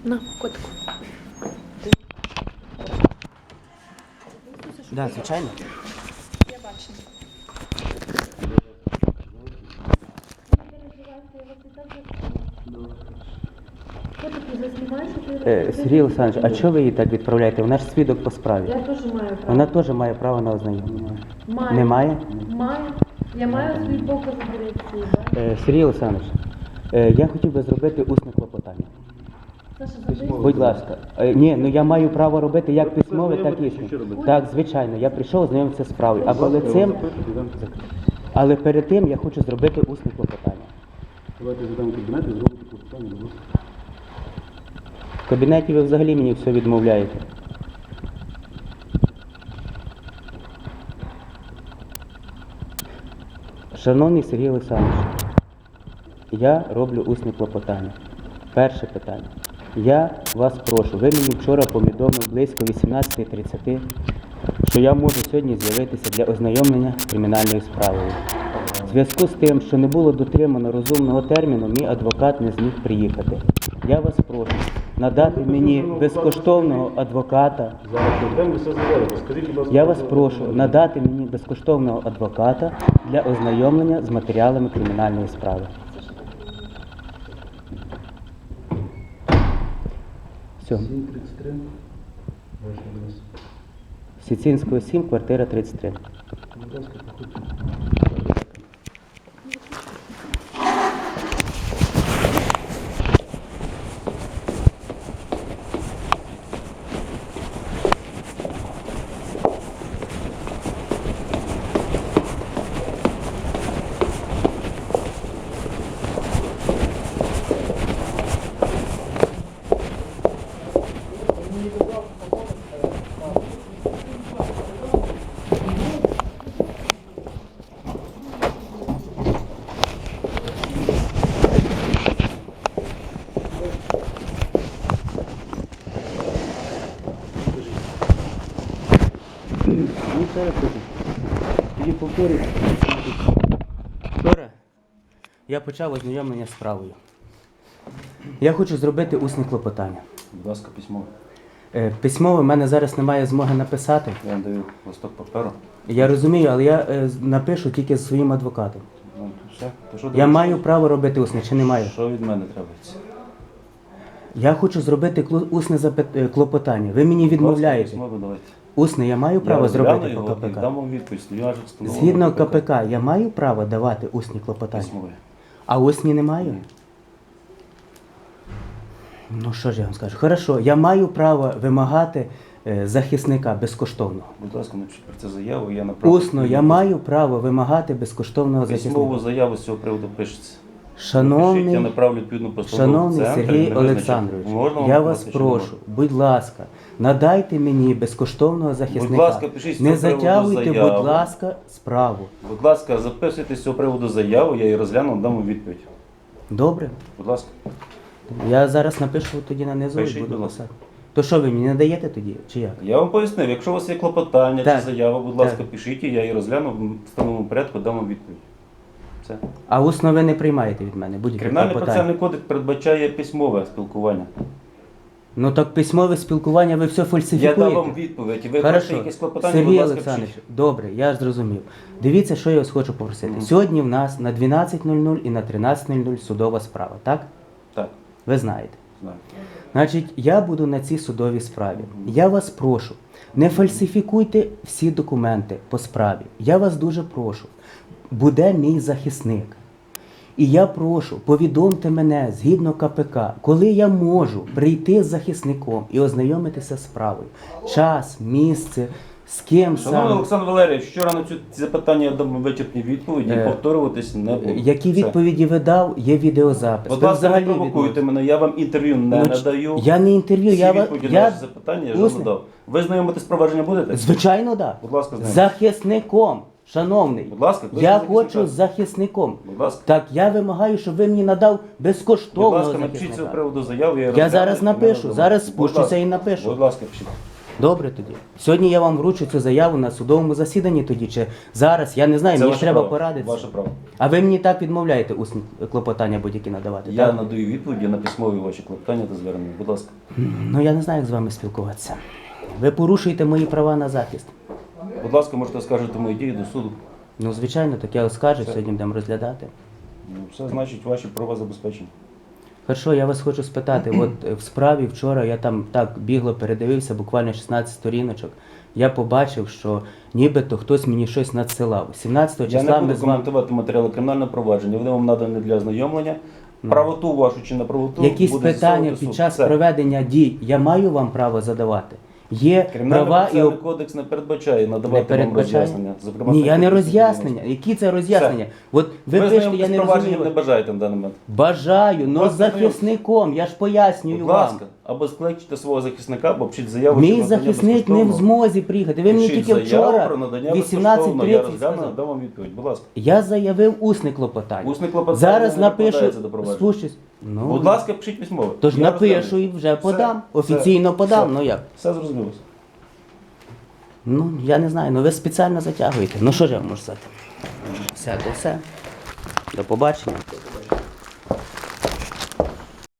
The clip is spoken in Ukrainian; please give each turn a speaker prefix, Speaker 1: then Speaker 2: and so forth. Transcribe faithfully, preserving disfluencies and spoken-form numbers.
Speaker 1: На, котику.
Speaker 2: Да, звичайно.
Speaker 1: Я бачу.
Speaker 2: Е, Сергій Олександрович, а чого ви її так відправляєте? Вона ж свідок по справі.
Speaker 1: Я теж маю право.
Speaker 2: Вона теж має право на ознайомлення.
Speaker 1: Маю.
Speaker 2: Немає?
Speaker 1: Маю. Я маю свій показ дирекції, так?
Speaker 2: Е, Сергій Олександрович, е, я хотів би зробити усне клопотання.
Speaker 1: Саша, записуй.
Speaker 2: Будь ласка. Е, ні, ну я маю право робити як письмове, так і усне. Так, звичайно, я прийшов ознайомитися з справою. А перед цим, але перед тим я хочу зробити усне клопотання.
Speaker 3: Давайте задамо кабінет і зробимо клопотання, будь ласка.
Speaker 2: В кабінеті ви взагалі мені все відмовляєте. Шановний Сергій Олександрович, я роблю усне клопотання. Перше питання. Я вас прошу, ви мені вчора повідомили близько вісімнадцятої тридцять, що я можу сьогодні з'явитися для ознайомлення з кримінальною справою. В зв'язку з тим, що не було дотримано розумного терміну, мій адвокат не зміг приїхати. Я вас прошу надати мені безкоштовного адвоката.
Speaker 3: Зараз йдемо, все зробимо. Скажіть, будь ласка.
Speaker 2: Я вас прошу надати мені безкоштовного адвоката для ознайомлення з матеріалами кримінальної справи. Все.
Speaker 3: сім тридцять три. Ваш адрес.
Speaker 2: Сіцинського сім, квартира тридцять три.
Speaker 3: Будь ласка, проходьте.
Speaker 2: Ну, ще раз кажу. Тоді повторюю. Вчора я почав ознайомлення з справою. Я хочу зробити усне клопотання.
Speaker 3: Будь ласка, письмо.
Speaker 2: Е, Письмово в мене зараз немає змоги написати.
Speaker 3: Я вам даю листок паперу.
Speaker 2: Я розумію, але я е, з- напишу тільки з своїм адвокатом.
Speaker 3: Ну, все. То що
Speaker 2: Я
Speaker 3: далі?
Speaker 2: маю право робити усне чи не маю?
Speaker 3: Що від мене требується?
Speaker 2: Я хочу зробити кло- усне запит... е, клопотання. Ви мені відмовляєте.
Speaker 3: Письмо видавайте.
Speaker 2: Усне я маю право
Speaker 3: Я
Speaker 2: зробити
Speaker 3: розгляну
Speaker 2: по
Speaker 3: його і
Speaker 2: КПК?
Speaker 3: дам вам відповідь. Я ж встановлено
Speaker 2: Згідно КПК, я маю право давати усні клопотання?
Speaker 3: Письмове.
Speaker 2: А усні не маю? Ну що ж я вам скажу? Хорошо, я маю право вимагати е, захисника безкоштовного.
Speaker 3: Будь ласка, напишіть про це заяву, я направлю.
Speaker 2: Усно я маю право вимагати безкоштовного
Speaker 3: Письмову
Speaker 2: захисника.
Speaker 3: заяву з цього приводу пишеться. Напишіть, я
Speaker 2: Шановний,
Speaker 3: направлю відповідну постанову.
Speaker 2: шановний
Speaker 3: в центр,
Speaker 2: Сергій
Speaker 3: не визначено.
Speaker 2: Олександрович,
Speaker 3: Можна вам
Speaker 2: я вас
Speaker 3: сказати, чи не
Speaker 2: прошу, будь ласка, надайте мені безкоштовного захисника.
Speaker 3: Будь ласка, пишіть з
Speaker 2: Не
Speaker 3: цього приводу
Speaker 2: затягуйте,
Speaker 3: заяву.
Speaker 2: будь ласка, справу.
Speaker 3: Будь ласка, записуйте з цього приводу заяву, я її розгляну, дам вам відповідь.
Speaker 2: Добре?
Speaker 3: Будь ласка.
Speaker 2: Я зараз напишу тоді на низу і
Speaker 3: Пишіть,
Speaker 2: буду
Speaker 3: будь ласка.
Speaker 2: писати. То що ви мені не даєте тоді, чи як?
Speaker 3: Я вам пояснив, якщо у вас є клопотання
Speaker 2: Так.
Speaker 3: чи заява, будь ласка,
Speaker 2: Так.
Speaker 3: пишіть, її, я її розгляну в встановленому порядку, дам вам відповідь. Все.
Speaker 2: А усно ви не приймаєте від мене будь-які
Speaker 3: Кримінальний
Speaker 2: клопотання?
Speaker 3: процесуальний кодекс передбачає письмове спілкування.
Speaker 2: Ну так письмове спілкування ви все
Speaker 3: Я
Speaker 2: фальсифікуєте.
Speaker 3: дам вам відповідь. Ви хочете
Speaker 2: Хорошо.
Speaker 3: якісь клопотання,
Speaker 2: Сергій
Speaker 3: будь ласка,
Speaker 2: Олександрович,
Speaker 3: пишіть.
Speaker 2: добре, я зрозумів. Дивіться, що я вас хочу попросити.
Speaker 3: Мгм.
Speaker 2: Сьогодні в нас на дванадцять нуль нуль і на тринадцять нуль нуль судова справа, так?
Speaker 3: Так,
Speaker 2: Ви знаєте.
Speaker 3: знаю.
Speaker 2: Значить, я буду на цій судовій справі. Я вас прошу, не фальсифікуйте всі документи по справі. Я вас дуже прошу. Буде мій захисник. І я прошу, повідомте мене згідно КПК, коли я можу прийти з захисником і ознайомитися з справою. Час, місце, з ким
Speaker 3: Шановний
Speaker 2: саме.
Speaker 3: Олександр Валерійович, вчора на ці запитання я дам вичерпні відповіді,
Speaker 2: Е,
Speaker 3: повторюватись не буду.
Speaker 2: Які
Speaker 3: Все.
Speaker 2: відповіді ви дав, є відеозапис.
Speaker 3: Будь
Speaker 2: Ви
Speaker 3: ласка, не
Speaker 2: взагалі
Speaker 3: провокуйте
Speaker 2: відмовились.
Speaker 3: мене, я вам інтерв'ю не
Speaker 2: Ну, ч-
Speaker 3: надаю.
Speaker 2: Я не інтерв'ю,
Speaker 3: Всі
Speaker 2: я ва-
Speaker 3: відповіді на
Speaker 2: я
Speaker 3: ваші запитання я вже
Speaker 2: усне.
Speaker 3: надав. Ви знайомите з провадження будете?
Speaker 2: Звичайно, так.
Speaker 3: Будь ласка, знайомте.
Speaker 2: Захисником, шановний.
Speaker 3: Будь ласка,
Speaker 2: Я
Speaker 3: кличте
Speaker 2: хочу
Speaker 3: захисника.
Speaker 2: з захисником.
Speaker 3: Будь ласка.
Speaker 2: Так, я вимагаю, щоб ви мені надав
Speaker 3: Будь
Speaker 2: безкоштовного
Speaker 3: ласка, напишіть цього
Speaker 2: захисника.
Speaker 3: приводу заяву, я її
Speaker 2: Я
Speaker 3: розгляну
Speaker 2: зараз
Speaker 3: і мене
Speaker 2: напишу,
Speaker 3: задоволить.
Speaker 2: зараз
Speaker 3: Будь
Speaker 2: спущуся
Speaker 3: ласка.
Speaker 2: і напишу.
Speaker 3: Будь ласка, пишіть.
Speaker 2: Добре тоді. Сьогодні я вам вручу цю заяву на судовому засіданні тоді, чи зараз, я не знаю,
Speaker 3: Це
Speaker 2: мені
Speaker 3: ваше
Speaker 2: ж треба
Speaker 3: право.
Speaker 2: порадитися.
Speaker 3: Ваше право.
Speaker 2: А ви мені так відмовляєте усні клопотання будь-які надавати?
Speaker 3: Я
Speaker 2: так?
Speaker 3: надаю відповіді на письмові ваші клопотання та звернення. Будь ласка.
Speaker 2: Ну я не знаю, як з вами спілкуватися. Ви порушуєте мої права на захист.
Speaker 3: Будь ласка, можете оскаржити мої дії до суду.
Speaker 2: Ну, звичайно, так я оскаржу, сьогодні будемо розглядати.
Speaker 3: Ну, все значить ваші права забезпечені.
Speaker 2: Хорошо, я вас хочу спитати, от е, в справі вчора я там так бігло передивився, буквально шістнадцять сторіночок. Я побачив, що нібито хтось мені щось надсилав. сімнадцятого
Speaker 3: Я не
Speaker 2: числа ми
Speaker 3: буду
Speaker 2: з вами...
Speaker 3: коментувати матеріали кримінального провадження. Вони вам надані для ознайомлення. Правоту вашу чи неправоту
Speaker 2: Якісь
Speaker 3: буде
Speaker 2: питання
Speaker 3: з'ясовувати
Speaker 2: під
Speaker 3: суд.
Speaker 2: час
Speaker 3: Все.
Speaker 2: проведення дій я маю вам право задавати? Є
Speaker 3: Кримінальний
Speaker 2: права і
Speaker 3: процесуальний
Speaker 2: об-
Speaker 3: кодекс не передбачає
Speaker 2: не
Speaker 3: надавати вам
Speaker 2: передбачає?
Speaker 3: роз'яснення. Зокрема,
Speaker 2: Ні, я не
Speaker 3: статті
Speaker 2: роз'яснення. Які це роз'яснення? От ви
Speaker 3: Ви
Speaker 2: пишете, я
Speaker 3: з
Speaker 2: не
Speaker 3: провадженням не
Speaker 2: розумію.
Speaker 3: бажаєте на даний момент.
Speaker 2: Бажаю, но з
Speaker 3: ласка,
Speaker 2: захисником, я ж пояснюю
Speaker 3: Будь
Speaker 2: вам.
Speaker 3: ласка, або скличте свого захисника, або пишіть заяву.
Speaker 2: Мій
Speaker 3: про надання
Speaker 2: захисник не в
Speaker 3: безкоштовного.
Speaker 2: змозі приїхати. Ви мені
Speaker 3: Пишіть
Speaker 2: тільки
Speaker 3: заяву
Speaker 2: вчора
Speaker 3: про надання
Speaker 2: вісімнадцять
Speaker 3: безкоштовного. Я
Speaker 2: тридцять
Speaker 3: розгляну,
Speaker 2: сказав.
Speaker 3: дам вам відповідь. Будь ласка.
Speaker 2: Я заявив усне клопотання.
Speaker 3: Усне клопотання
Speaker 2: Зараз
Speaker 3: не
Speaker 2: напишу,
Speaker 3: накладається до провадження.
Speaker 2: спущусь. Ну,
Speaker 3: Будь ласка, пишіть письмово.
Speaker 2: тож
Speaker 3: Я
Speaker 2: напишу
Speaker 3: розгляну.
Speaker 2: і вже
Speaker 3: Все,
Speaker 2: подам.
Speaker 3: все,
Speaker 2: Офіційно подам,
Speaker 3: все.
Speaker 2: ну як?
Speaker 3: Все зрозуміло.
Speaker 2: Ну, я не знаю, ну ви спеціально затягуєте. Ну що ж я вам можу сказати? Все, то все. До побачення.